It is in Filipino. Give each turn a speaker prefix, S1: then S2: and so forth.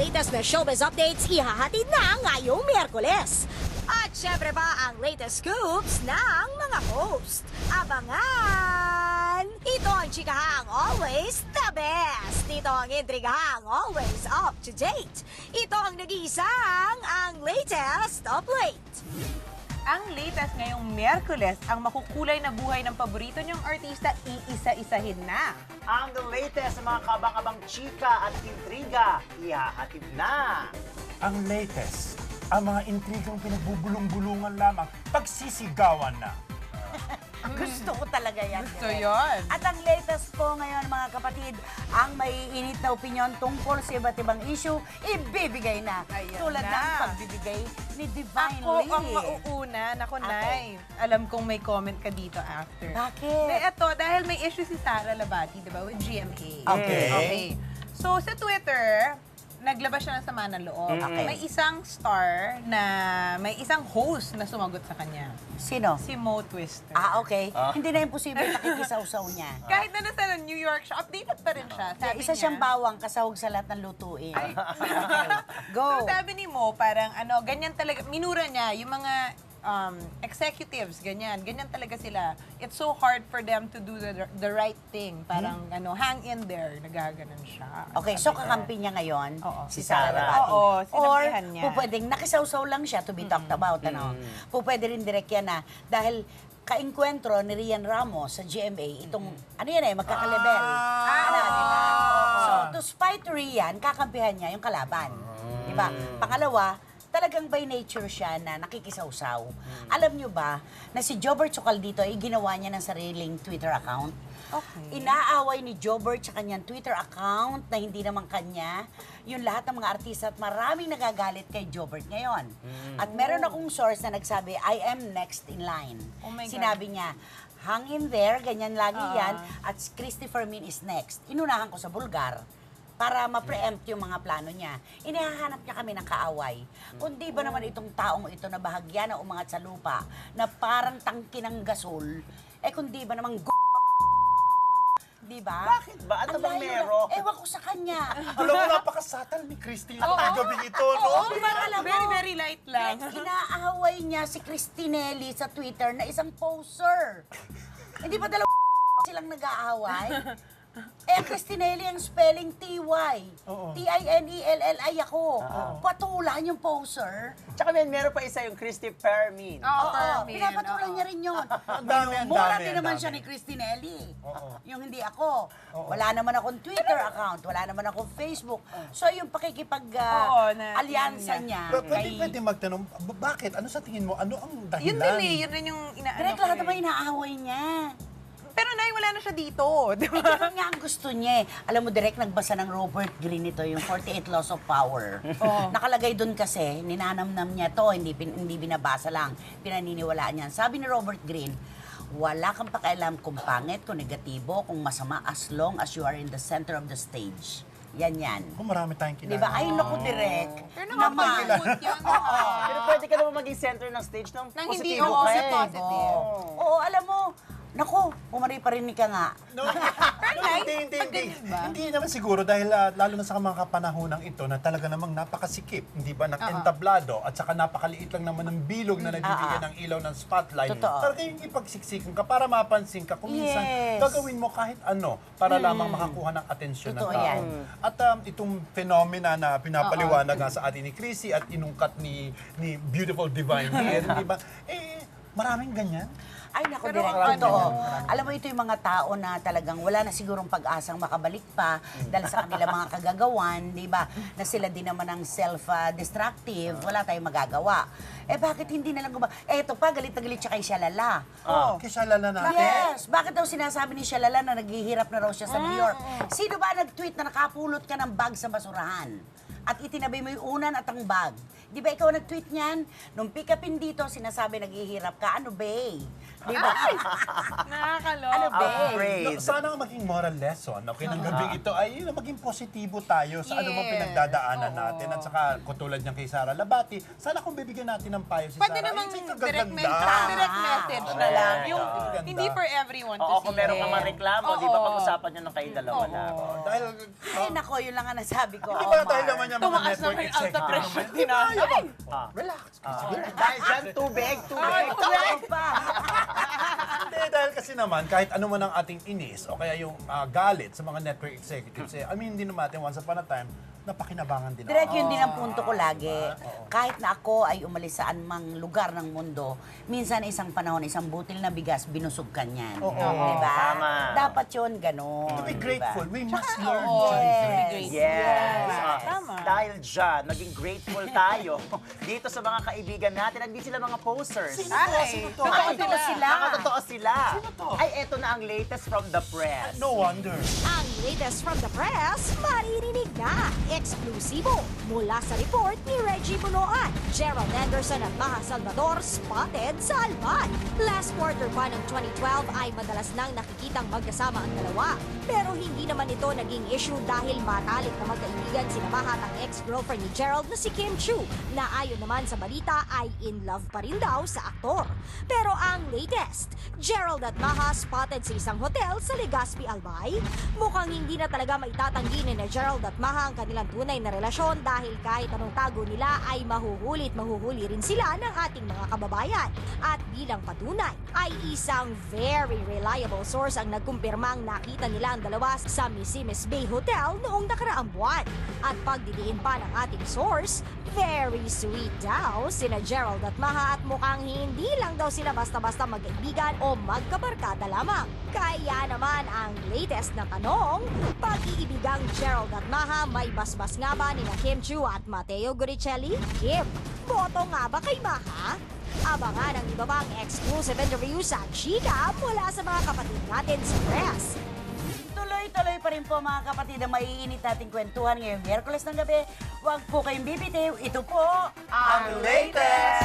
S1: latest na showbiz updates ihahatid na ngayong Miyerkules. At syempre pa ang latest scoops ng mga host. Abangan! Ito ang chikahang always the best. Ito ang intrigahang always up to date. Ito ang nag-iisang ang latest of late.
S2: Ang latest ngayong Miyerkules, ang makukulay na buhay ng paborito niyong artista, iisa-isahin na.
S3: Ang latest sa mga kabang-abang chika at intriga, ihahatid na.
S4: Ang latest, ang mga intrigang pinagbubulong-bulungan lamang, pagsisigawan na.
S5: Gusto ko talaga yan.
S2: Gusto
S5: Direk.
S2: yon.
S5: At ang latest po ngayon mga kapatid, ang may init na opinyon tungkol sa iba't ibang issue, ibibigay na.
S2: Ayan
S5: Tulad
S2: na.
S5: ng pagbibigay ni Divine
S2: Ako
S5: Lee.
S2: ang mauuna. Nako,
S5: Okay.
S2: Nay. Alam kong may comment ka dito after.
S5: Bakit?
S2: Eto, dahil may issue si Sara Labati, di ba, with GMA.
S4: Okay.
S2: So, sa Twitter, naglabas siya ng sama ng loob.
S5: Okay.
S2: May isang star na, may isang host na sumagot sa kanya.
S5: Sino?
S2: Si Mo Twister.
S5: Okay. Hindi na imposible nakikisaw-saw niya.
S2: Kahit na nasa New York siya, updated pa rin siya. Sabi
S5: Isa
S2: niya,
S5: siyang bawang kasahog sa lahat ng lutuin. Go.
S2: So sabi ni Mo, parang ganyan talaga, minura niya, yung mga executives, ganyan talaga sila. It's so hard for them to do the right thing. Parang hang in there, nagaganon siya.
S5: Okay, so kakampi niya ngayon,
S2: Oo.
S5: si
S3: Si
S5: Sara
S3: Sara.
S5: Labati.
S2: Oo,
S5: Or,
S2: sinabihan niya.
S5: pwedeng nakisaw-saw lang siya to be talked about, ano. Pwede rin direct yan na, dahil kainkwentro ni Rian Ramos sa GMA, itong, ano yan magkakalebel. Ano, di ba? So, to spite Rian, kakampihan niya yung kalaban. Di ba? Pangalawa, talagang by nature siya na nakikisawsaw. Alam nyo ba na si Jobert Sokal dito ay ginawa niya ng sariling Twitter account?
S2: Okay.
S5: Inaaway ni Jobert sa kanyang Twitter account na hindi naman kanya yung lahat ng mga artista at maraming nagagalit kay Jobert ngayon. At meron akong source na nagsabi, I am next in line.
S2: Oh my God.
S5: Sinabi niya, hang in there, ganyan lagi yan, at Christy Fermin is next. Inunahan ko sa Bulgar para ma-preempt yung mga plano niya. Inihahanap niya kami ng kaaway. Kundi ba naman itong taong ito na bahagya na umangat sa lupa, na parang tangki ng gasol, kundi ba namang di ba?
S3: Bakit ba? Ano
S5: Ang
S3: bang
S5: layo
S3: meron?
S5: na- Ewan ko sa kanya.
S4: Alam mo, napakasatal ni Christy yung gabi ito, no?
S5: Di ba alam mo?
S2: Very, very light lang.
S5: Inaaway niya si Christinelli sa Twitter na isang poser. Hindi ba dalawa silang nag-aaway? Christinelli ang spelling T-Y.
S4: Oo.
S5: T-I-N-E-L-L-I ako. Patulan yung poser.
S3: Tsaka meron pa isa yung Christy Fermin.
S2: Oo,
S5: Oo,
S2: Fermin,
S5: pinapatulan
S2: oo.
S5: niya rin yun.
S4: Ang dami, ang
S5: Mura
S4: dami,
S5: din
S4: ang
S5: naman
S4: dami.
S5: siya ni Christinelli.
S4: Oo.
S5: Yung hindi ako. Wala naman akong Twitter account, wala naman akong Facebook. So yung
S2: Oo, na-
S5: pakikipag-alyansa
S2: yun
S5: niya.
S4: Pwede magtanong, bakit? Ano sa tingin mo? Ano ang dahilan?
S2: Yun din eh, yun rin yung inaano
S5: Direk,
S2: ko
S5: lahat
S2: eh.
S5: naman inaaway niya.
S2: Pero Nay, wala na siya dito. Di ba?
S5: Ganun nga ang gusto niya eh. Alam mo, direct nagbasa ng Robert Greene ito, yung 48 Laws of Power. Nakalagay dun kasi, ninanamnam niya to, hindi binabasa lang, pinaniniwalaan niya. Sabi ni Robert Greene, wala kang pakialam kung pangit, kung negatibo, kung masama, as long as you are in the center of the stage. Yan yan.
S4: Kung marami tayong kilala.
S5: Di ba? Ay, naku, direct.
S2: Pero nakapag-good yun.
S3: Pero pwede ka naman maging center ng stage ng
S2: Nang hindi,
S3: positibo
S2: oo,
S3: ka
S2: sa
S3: eh.
S2: positive.
S5: Oo, alam mo, naku, pumari-parinig ka nga.
S4: No,
S2: Nay,
S4: hindi.
S2: pagdating ba?
S4: Hindi naman siguro dahil lalo na sa mga kapanahonang ito na talaga namang napakasikip, hindi ba, entablado at saka napakaliit lang naman ng bilog na nagbibigyan ng ilaw ng spotlight.
S5: Totoo.
S4: Talaga yung ipagsiksikan ka para mapansin ka kung minsan
S5: Yes.
S4: gagawin mo kahit ano para lamang makakuha ng atensyon ng
S5: Totoo
S4: tao.
S5: yan.
S4: At itong phenomena na pinapaliwanag nga sa atin ni Chrissy at inungkat ni Beautiful Divine here, di ba? Maraming ganyan.
S5: Ay, naku,
S2: Pero
S5: direct,
S2: ang
S5: totoo.
S2: ano,
S5: Alam mo, ito yung mga tao na talagang wala na sigurong pag-asang makabalik pa dahil sa kanilang mga kagagawan, di ba? Na sila din naman ang self-destructive, wala tayong magagawa. Bakit hindi na lang eto pa, galit na galit siya kay Shalala.
S4: Kisalala natin.
S5: Yes! Bakit daw sinasabi ni Shalala na naghihirap na raw siya sa New York? Sino ba nag-tweet na nakapulot ka ng bag sa basurahan? At itinabi mo yung unan at ang bag. Di ba ikaw nag-tweet niyan? Nung pick-upin dito, sinasabi naghihirap ka. Ano ba? Di ba?
S2: Nakakaloka.
S5: Ano ba?
S3: Afraid.
S4: No, sana ang maging moral lesson, okay, ng gabing ito ay maging positibo tayo sa anumang pinagdadaanan natin. At saka, katulad niyang kay Sara Labati, sana kung bibigyan natin ng payo si
S2: Pwede
S4: Sara,
S2: namang
S4: ay,
S2: direct
S4: kagaganda.
S2: message na
S3: Correct.
S2: lang. Yung
S4: Ganda.
S2: hindi for everyone to
S3: Oo,
S2: see
S3: kung meron ka
S2: it.
S3: man reklamo, di ba pag-usapan nyo ng kayo dalawa lang.
S4: Dahil,
S5: Ay, nako, yun lang ang nasabi ko.
S4: di
S5: Omar.
S4: ba dahil naman niya mga
S2: Tumaas
S4: network
S2: naman yung alta
S4: executive
S2: pressure.
S4: naman. Di ba? Ayun.
S3: Ah.
S4: Relax.
S3: Dahil dyan, tubig.
S5: Ako pa.
S4: Hindi, dahil kasi naman, kahit ano man ang ating inis o kaya yung galit sa mga network executives, hindi naman natin once upon a time, napakinabangan din
S5: Direct
S4: ako.
S5: yun din ang punto ko lagi. Kahit na ako ay umalis saan mang lugar ng mundo, minsan isang panahon, isang butil na bigas, binusog ka niyan. Diba?
S3: Tama.
S5: Dapat yun, ganun.
S4: To be
S5: diba?
S4: grateful, we must learn
S2: Oo,
S4: to be grateful.
S2: yes.
S3: Yes.
S2: Tama.
S3: Dahil dyan, naging grateful tayo dito sa mga kaibigan natin. Hindi sila mga posers.
S2: Ay,
S4: Sino to?
S2: totoo sila.
S3: Nakatotoo sila.
S4: Sino to?
S3: Ay, eto na ang latest from the press.
S4: No wonder.
S1: Ang latest from the press, maririnig na. Eksklusibo mula sa report ni Reggie Bunoan. Gerald Anderson at Maha Salvador spotted sa Alban. Last quarter pa ng 2012 ay madalas nang nakikitang magkasama ang dalawa. Pero hindi naman ito naging issue dahil matalik na magkaibigan sina Maha at ang ex-girlfriend ni Gerald na si Kim Chu, na ayon naman sa balita ay in love pa rin daw sa aktor. Pero ang latest, Gerald at Maha spotted sa isang hotel sa Legazpi, Albay. Mukhang hindi na talaga maitatanggi ni na Gerald at Maha ang kanilang tunay na relasyon dahil kahit anong tago nila ay mahuhuli rin sila ng ating mga kababayan. At bilang patunay, ay isang very reliable source ang nagkumpirmang nakita nila ang dalawa sa Missimis Bay Hotel noong nakaraang buwan. At pagdidiin pa ng ating source, very sweet daw sina Gerald at Maha at mukhang hindi lang daw sila basta-basta magkaibigan o magkabarkada lamang. Kaya naman ang latest na tanong, pag-iibigang Gerald at Maha may basbas nga ba ni Kim Chu at Matteo Guricelli? Kim, boto nga ba kay Maha? Abangan ang iba pang exclusive interview sa Chika mula sa mga kapatid natin sa press.
S5: Tuloy-tuloy pa rin po mga kapatid ang maiinit nating kwentuhan ngayong Miyerkules ng gabi. Huwag po kayong bibitiw. Ito po
S3: Ang latest